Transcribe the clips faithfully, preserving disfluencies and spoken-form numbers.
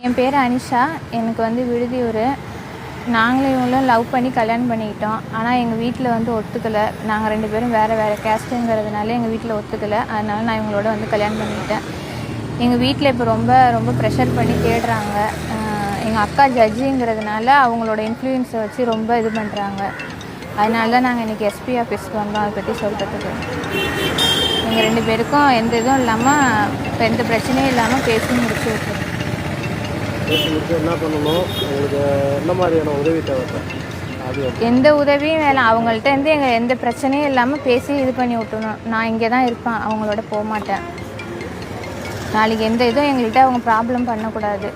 என் பேர் அனிஷா. எனக்கு வந்து விடுதியூர். நாங்களும் இவங்களும் லவ் பண்ணி கல்யாணம் பண்ணிக்கிட்டோம். ஆனால் எங்கள் வீட்டில் வந்து ஒத்துக்கலை. நாங்கள் ரெண்டு பேரும் வேறு வேறு கேஸ்ட்டுங்கிறதுனால எங்கள் வீட்டில் ஒத்துக்கலை. அதனால நான் இவங்களோட வந்து கல்யாணம் பண்ணிக்கிட்டேன். எங்கள் வீட்டில் இப்போ ரொம்ப ரொம்ப ப்ரெஷர் பண்ணி தேடுறாங்க. எங்கள் அக்கா ஜட்ஜிங்கிறதுனால அவங்களோட இன்ஃப்ளூயன்ஸை வச்சு ரொம்ப இது பண்ணுறாங்க. அதனால தான் நாங்கள் இன்றைக்கி எஸ்பி ஆஃபீஸ்க்கு வந்தோம் அதை பற்றி சொல்கிறதுக்கு. எங்கள் ரெண்டு பேருக்கும் எந்த இதுவும் இல்லாமல், இப்போ எந்த பிரச்சனையும் இல்லாமல் பேசி முடிச்சு விட்டுருவோம். பேசி முடிச்சு என்ன பண்ணணும், உங்களுக்கு என்ன மாதிரியான உதவி தேவை? அது எந்த உதவியும் வேணாம். அவங்கள்ட்ட இருந்து எங்கள் எந்த பிரச்சனையும் இல்லாமல் பேசி இது பண்ணி விட்டுணும். நான் இங்கே தான் இருப்பேன், அவங்களோட போக மாட்டேன். நாளைக்கு எந்த இதுவும் எங்கள்கிட்ட அவங்க ப்ராப்ளம் பண்ணக்கூடாது.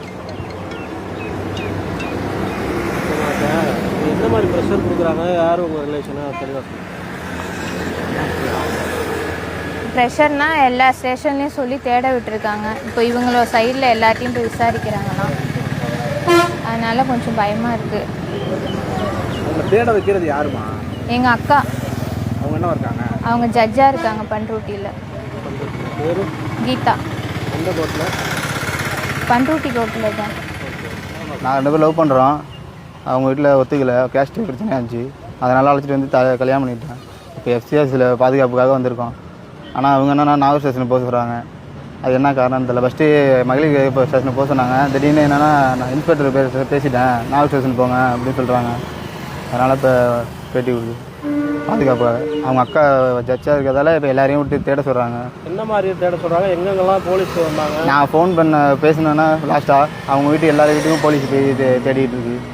எந்த மாதிரி ப்ரெஷர் கொடுக்குறாங்க? யார் உங்கள் ரிலேஷனாக தெளிவாக? ப்ரெஷர்னா எல்லா ஸ்டேஷன்லேயும் சொல்லி தேட விட்டுருக்காங்க. இப்போ இவங்களோட சைடில் எல்லாத்தையும் போய் விசாரிக்கிறாங்கன்னா, அதனால் கொஞ்சம் பயமாக இருக்குது. அவங்க தேட வைக்கிறது யாருமா? எங்கள் அக்கா. அவங்க என்ன இருக்காங்க? அவங்க ஜட்ஜாக இருக்காங்க பண்ருட்டியில். பேர் கீதா. எந்த கோர்ட்டில்? பண்ருட்டி கோர்ட்டில் தான். நாங்கள் ரெண்டு பேரும் லவ் பண்ணுறோம். அவங்க வீட்டில் ஒத்துக்கலை, கேஸ்ட் பிரச்சனையாக இருந்துச்சு. அதனால் அழைச்சிட்டு வந்து த கல்யாணம் பண்ணிட்டேன். இப்போ எஃப்சிஎஸ்சில் பாதுகாப்புக்காக வந்திருக்கோம். ஆனால் அவங்க என்னென்னா நாகூர் ஸ்டேஷனுக்கு போக சொல்கிறாங்க. அது என்ன காரணம் தெரியல. ஃபஸ்ட்டு மகளிர் இப்போ ஸ்டேஷனுக்கு போக சொன்னாங்க. திடீர்னு என்னென்னா நான் இன்ஸ்பெக்டர் பேச பேசிட்டேன் நாகூர் ஸ்டேஷன் போங்க அப்படின்னு சொல்கிறாங்க. அதனால் இப்போ பேட்டி கொடுக்குது பாதுகாப்பாக. அவங்க அக்கா ஜட்ஜாக இருக்கிறதால இப்போ எல்லாரையும் விட்டு தேட சொல்கிறாங்க. என்ன மாதிரி தேட சொல்கிறாங்க? எங்கெங்கெல்லாம் போலீஸ் வந்தாங்க? நான் ஃபோன் பண்ண பேசினேன்னா லாஸ்ட்டாக அவங்க வீட்டு எல்லார் வீட்டுக்கும் போலீஸ் போய் தேடிட்டு இருக்கு.